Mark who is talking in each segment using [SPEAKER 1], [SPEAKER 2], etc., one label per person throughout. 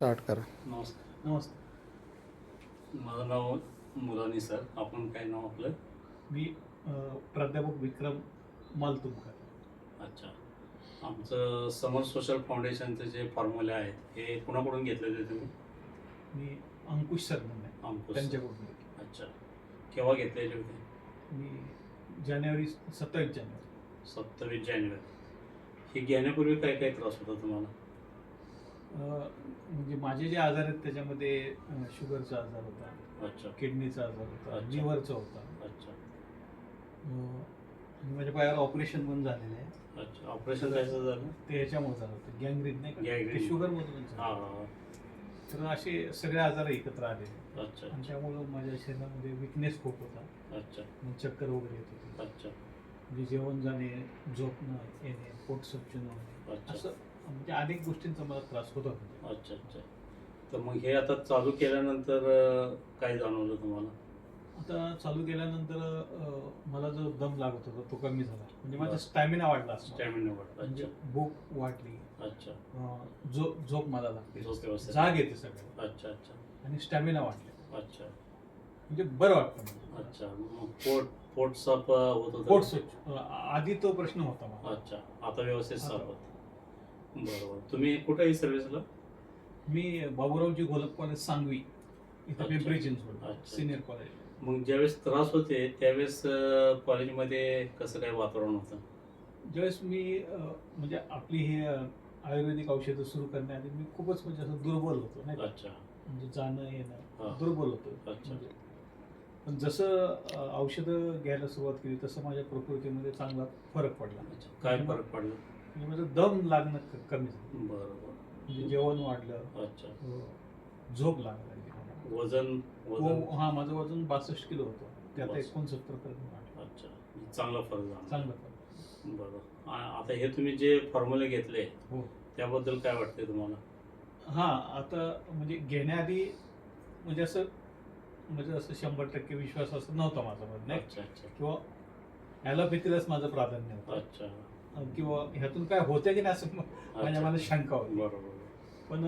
[SPEAKER 1] Start करा.
[SPEAKER 2] नमस्कार.
[SPEAKER 3] नमस्ते.
[SPEAKER 2] माझं नाव मुलानी सर. आपण काय नाव आपलं?
[SPEAKER 3] मी प्राध्यापक विक्रम मालतुमकर.
[SPEAKER 2] अच्छा. आमचं समर सोशल फाउंडेशनचे जे फॉर्म्युले आहेत हे कुणाकडून घेतलेले तुम्ही?
[SPEAKER 3] मी अंकुश सर म्हणून आहे,
[SPEAKER 2] अंकुश.
[SPEAKER 3] त्यांच्याकडून घेतले.
[SPEAKER 2] अच्छा. केव्हा घेतलेले होते?
[SPEAKER 3] मी जानेवारी 27 जानेवारी
[SPEAKER 2] 27 जानेवारी. हे घेण्यापूर्वी काय काय त्रास होता तुम्हाला?
[SPEAKER 3] म्हणजे माझे जे आजार आहेत त्याच्यामध्ये शुगरचा आजार होता,
[SPEAKER 2] अच्छा
[SPEAKER 3] किडनीचा आजार होता,
[SPEAKER 2] अच्छा.
[SPEAKER 3] लिव्हरचा होता.
[SPEAKER 2] अच्छा.
[SPEAKER 3] आणि माझ्या पायावर ऑपरेशन पण झालेलं आहे.
[SPEAKER 2] अच्छा. ऑपरेशन कायचं झालं?
[SPEAKER 3] ते ह्याच्यामुळे झालं होतं, गँग्रीन नाही का,
[SPEAKER 2] Gangrene.
[SPEAKER 3] ते शुगरमधून
[SPEAKER 2] हां
[SPEAKER 3] झालं.
[SPEAKER 2] हां.
[SPEAKER 3] तर असे सगळे आजार एकत्र आलेले
[SPEAKER 2] अच्छा
[SPEAKER 3] आणि त्यामुळं माझ्या शरीरामध्ये विकनेस खूप होता.
[SPEAKER 2] अच्छा
[SPEAKER 3] मग चक्कर वगैरे येत होती.
[SPEAKER 2] अच्छा
[SPEAKER 3] म्हणजे जेवण जाणे, झोपणं येणे, पोट स्वच्छ न होणे,
[SPEAKER 2] अच्छा
[SPEAKER 3] असं म्हणजे अनेक गोष्टींचा मला त्रास होत होता.
[SPEAKER 2] अच्छा. अच्छा. तर मग हे आता चालू केल्यानंतर काय जाणवलं तुम्हाला?
[SPEAKER 3] आता चालू केल्यानंतर मला जो दम लागत होता तो कमी झाला, म्हणजे माझा
[SPEAKER 2] बरं.
[SPEAKER 3] स्टॅमिना वाढला असं.
[SPEAKER 2] स्टॅमिना वाढला.
[SPEAKER 3] म्हणजे
[SPEAKER 2] अच्छा
[SPEAKER 3] भूक वाढली,
[SPEAKER 2] अच्छा.
[SPEAKER 3] झोप मला लागते,
[SPEAKER 2] झोप व्यवस्थित.
[SPEAKER 3] जाग येते सगळं,
[SPEAKER 2] अच्छा अच्छा
[SPEAKER 3] आणि स्टॅमिना वाढले,
[SPEAKER 2] अच्छा
[SPEAKER 3] म्हणजे बरं वाटतं मला.
[SPEAKER 2] अच्छा. मग पोट साफ होत होतं?
[SPEAKER 3] पोट स्वच्छ. आधी तो प्रश्न होता मला.
[SPEAKER 2] अच्छा. आता व्यवस्थित साफ
[SPEAKER 3] आता.
[SPEAKER 2] होत. बरोबर. तुम्ही कुठेही सर्व्हिसला?
[SPEAKER 3] मी बाबूरावजी गोलप कॉलेज सांगवी इथं
[SPEAKER 2] अच्छा.
[SPEAKER 3] पिंपरी चिंचवड
[SPEAKER 2] अच्छा.
[SPEAKER 3] Senior college.
[SPEAKER 2] मग ज्यावेळेस त्रास होते त्यावेळेस कॉलेजमध्ये कसं काय वातावरण होतं?
[SPEAKER 3] ज्यावेळेस मी म्हणजे आपली ही आयुर्वेदिक औषधं सुरू करण्याआधी मी खूपच म्हणजे असं दुर्बल होतो नाही का?
[SPEAKER 2] अच्छा
[SPEAKER 3] म्हणजे जाणं
[SPEAKER 2] हा.
[SPEAKER 3] येणं दुर्बल होतो.
[SPEAKER 2] अच्छा.
[SPEAKER 3] म्हणजे पण जसं औषधं घ्यायला सुरुवात केली तसं माझ्या प्रकृतीमध्ये चांगला फरक पडला.
[SPEAKER 2] अच्छा. काय फरक पडला?
[SPEAKER 3] म्हणजे माझं दम लागणं कमी झालं,
[SPEAKER 2] बरोबर.
[SPEAKER 3] म्हणजे जेवण वाढलं,
[SPEAKER 2] अच्छा.
[SPEAKER 3] झोप लागली मला.
[SPEAKER 2] वजन वजन
[SPEAKER 3] हां, माझं वजन 62 किलो होतं, ते आता
[SPEAKER 2] 62.
[SPEAKER 3] 69 पर्यंत वाढलं.
[SPEAKER 2] अच्छा. चांगला फरक झाला.
[SPEAKER 3] चांगलं फरक.
[SPEAKER 2] बरोबर. आता हे तुम्ही जे फॉर्म्युले घेतले
[SPEAKER 3] हो.
[SPEAKER 2] त्याबद्दल काय वाटते तुम्हाला?
[SPEAKER 3] हां, आता म्हणजे घेण्याआधी म्हणजे असं 100% विश्वास असं नव्हता माझ्यामध्ये नाही,
[SPEAKER 2] अच्छा अच्छा
[SPEAKER 3] किंवा ॲलोपॅथीलाच माझं प्राधान्य होतं,
[SPEAKER 2] अच्छा.
[SPEAKER 3] किंवा ह्यातून काय होतं की नाही असं माझ्या
[SPEAKER 2] अच्छा.
[SPEAKER 3] मनात शंका होती.
[SPEAKER 2] बरोबर.
[SPEAKER 3] पण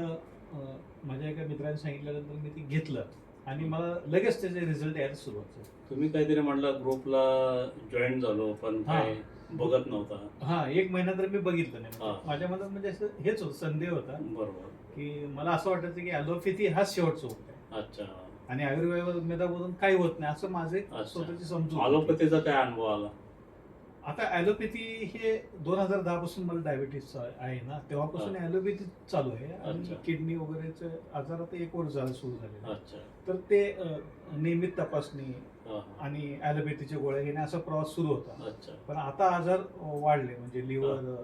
[SPEAKER 3] माझ्या एका मित्राने सांगितल्यानंतर मी ते घेतलं आणि मला लगेच त्याचे रिझल्ट यायला सुरुवात झाली.
[SPEAKER 2] तुम्ही काहीतरी म्हणलं ग्रुपला जॉईन झालो पण काय बघत नव्हता.
[SPEAKER 3] हां, 1 महिना तर मी बघितलं नाही.
[SPEAKER 2] हां.
[SPEAKER 3] माझ्या मनात म्हणजे असं हेच होतं, संदेह होता
[SPEAKER 2] बरोबर.
[SPEAKER 3] की मला असं वाटायचं की ॲलोपॅथी हाच शेवटचा उपाय आहे
[SPEAKER 2] अच्छा.
[SPEAKER 3] आणि आयुर्वेदामधून काही होत नाही असं माझे
[SPEAKER 2] अच्छा.
[SPEAKER 3] स्वतःची समजूत होती.
[SPEAKER 2] ॲलोपॅथीचा काय अनुभव आला?
[SPEAKER 3] आता ॲलोपॅथी हे 2010 पासून मला डायबिटीस आहे ना, तेव्हापासून ॲलोपॅथी चालू आहे आणि
[SPEAKER 2] अच्छा.
[SPEAKER 3] किडनी वगैरेचे आजार आता 1 वर्ष झालं सुरू झालेलं आहे.
[SPEAKER 2] अच्छा.
[SPEAKER 3] तर ते नियमित तपासणी
[SPEAKER 2] हा, हा.
[SPEAKER 3] आणि ॲलोपॅथीच्या गोळ्या घेणे असा प्रवास सुरू होता.
[SPEAKER 2] अच्छा.
[SPEAKER 3] पण आता आजार वाढले, म्हणजे लिव्हर,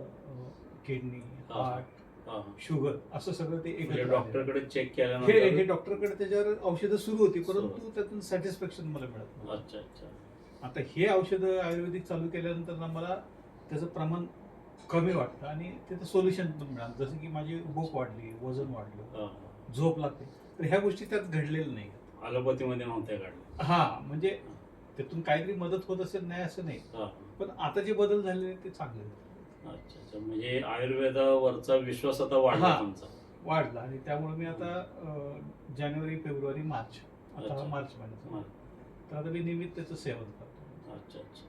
[SPEAKER 3] किडनी,
[SPEAKER 2] हा.
[SPEAKER 3] हार्ट,
[SPEAKER 2] हा, हा.
[SPEAKER 3] शुगर असं सगळं ते
[SPEAKER 2] म्हणजे
[SPEAKER 3] एकत्र आलेलं आहे.
[SPEAKER 2] डॉक्टरकडे चेक
[SPEAKER 3] हे
[SPEAKER 2] केल्यानंतर
[SPEAKER 3] डॉक्टरकडे त्याच्यावर औषधं सुरू होती,
[SPEAKER 2] सुरू
[SPEAKER 3] परंतु त्यातून सॅटिस्फॅक्शन मला मिळत नव्हतं.
[SPEAKER 2] अच्छा अच्छा
[SPEAKER 3] आता हे औषधं आयुर्वेदिक चालू केल्यानंतर ना मला त्याचं प्रमाण कमी वाटतं आणि त्याचं सोल्युशन पण मिळालं, जसं की माझी भूक वाढली, वजन वाढलं,
[SPEAKER 2] हा.
[SPEAKER 3] झोप लागते. तर ह्या गोष्टी त्यात घडलेल्या नाही.
[SPEAKER 2] ॲलोपॅथीमध्ये नव्हत्या काढल्या.
[SPEAKER 3] हा, म्हणजे त्यातून काहीतरी मदत होत असेल नाही असं नाही,
[SPEAKER 2] हा.
[SPEAKER 3] पण आता जे बदल झालेले आहेत ते चांगले झाले.
[SPEAKER 2] अच्छा अच्छा. म्हणजे आयुर्वेदावरचा विश्वास आता वाढला
[SPEAKER 3] हा.
[SPEAKER 2] तुमचा.
[SPEAKER 3] वाढला आणि त्यामुळे मी आता जानेवारी, फेब्रुवारी, मार्च, आता
[SPEAKER 2] अच्छा.
[SPEAKER 3] मार्च महिन्याचा,
[SPEAKER 2] हा.
[SPEAKER 3] तर आता मी नियमित त्याचं सेवन करतो.
[SPEAKER 2] अच्छा अच्छा.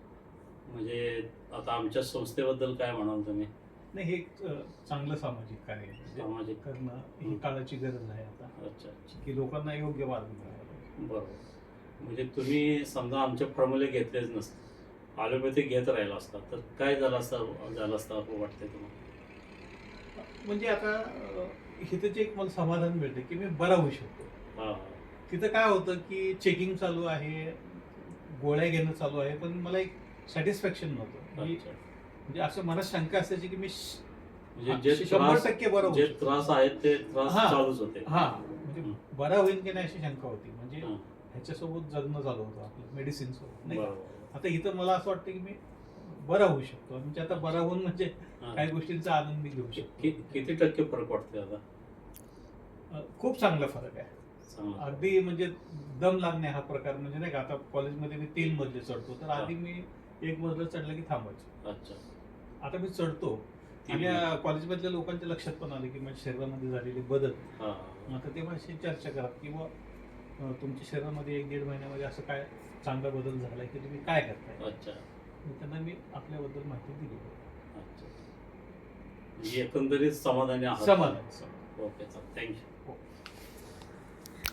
[SPEAKER 2] म्हणजे आता आमच्या संस्थेबद्दल काय म्हणाल तुम्ही?
[SPEAKER 3] नाही, हे एक चांगलं सामाजिक कार्य आहे. म्हणजे
[SPEAKER 2] सामाजिक.
[SPEAKER 3] करणं ही काळाची गरज आहे आता,
[SPEAKER 2] अच्छा अच्छा.
[SPEAKER 3] की लोकांना योग्य मार्ग मिळावा.
[SPEAKER 2] बरोबर. म्हणजे तुम्ही समजा आमचे फॉर्म्युले घेतलेच नसते, ॲलोपॅथी घेत राहिला असता तर काय झालं असतं असं वाटतंय तुम्हाला?
[SPEAKER 3] म्हणजे आता इथं जे एक मला समाधान मिळतं की मी बरा होऊ शकतो.
[SPEAKER 2] हा.
[SPEAKER 3] तिथं काय होतं की चेकिंग चालू आहे, गोळ्या घेणं चालू आहे, पण मला एक सॅटिस्फॅक्शन नव्हतं.
[SPEAKER 2] अच्छा.
[SPEAKER 3] म्हणजे असं मनात शंका असायची की मी
[SPEAKER 2] म्हणजे जे
[SPEAKER 3] 100% बरं होऊ
[SPEAKER 2] जे
[SPEAKER 3] शकतो.
[SPEAKER 2] त्रास आहेत ते त्रास
[SPEAKER 3] हा.
[SPEAKER 2] चालूच होते.
[SPEAKER 3] हा, म्हणजे
[SPEAKER 2] हं.
[SPEAKER 3] बरा होईल की नाही अशी शंका होती. म्हणजे
[SPEAKER 2] हा.
[SPEAKER 3] ह्याच्यासोबत जगणं चालू होतं आपलं, मेडिसिन सोबत नाही का?
[SPEAKER 2] बरोबर.
[SPEAKER 3] आता इथं मला असं वाटतं की मी बरा होऊ शकतो. म्हणजे आता बरा होऊन म्हणजे
[SPEAKER 2] हा.
[SPEAKER 3] काही गोष्टींचा आनंद मी घेऊ शकतो.
[SPEAKER 2] किती टक्के फरक वाटतोय आता?
[SPEAKER 3] खूप चांगला फरक आहे.
[SPEAKER 2] चांगला.
[SPEAKER 3] अगदी म्हणजे दम लागणे हा प्रकार, म्हणजे नाही का, आता कॉलेजमध्ये मी 3 मजले चढतो, तर आधी मी 1 मजला चढलं की थांबायचो.
[SPEAKER 2] अच्छा.
[SPEAKER 3] आता मी चढतो
[SPEAKER 2] तीन
[SPEAKER 3] आणि कॉलेजमधल्या लोकांच्या लक्षात पण आलं की माझ्या शरीरामध्ये झालेले बदल.
[SPEAKER 2] हा.
[SPEAKER 3] आता ते माझी चर्चा करा किंवा तुमच्या शरीरामध्ये 1-1.5 महिन्यामध्ये असं काय चांगला बदल झालाय की तुम्ही काय करताय.
[SPEAKER 2] अच्छा
[SPEAKER 3] मग त्यांना मी आपल्याबद्दल माहिती दिली.
[SPEAKER 2] अच्छा. म्हणजे एकंदरीत समाधानी आहात.
[SPEAKER 3] समाधान.
[SPEAKER 2] Okay sir, thank you.
[SPEAKER 3] हो.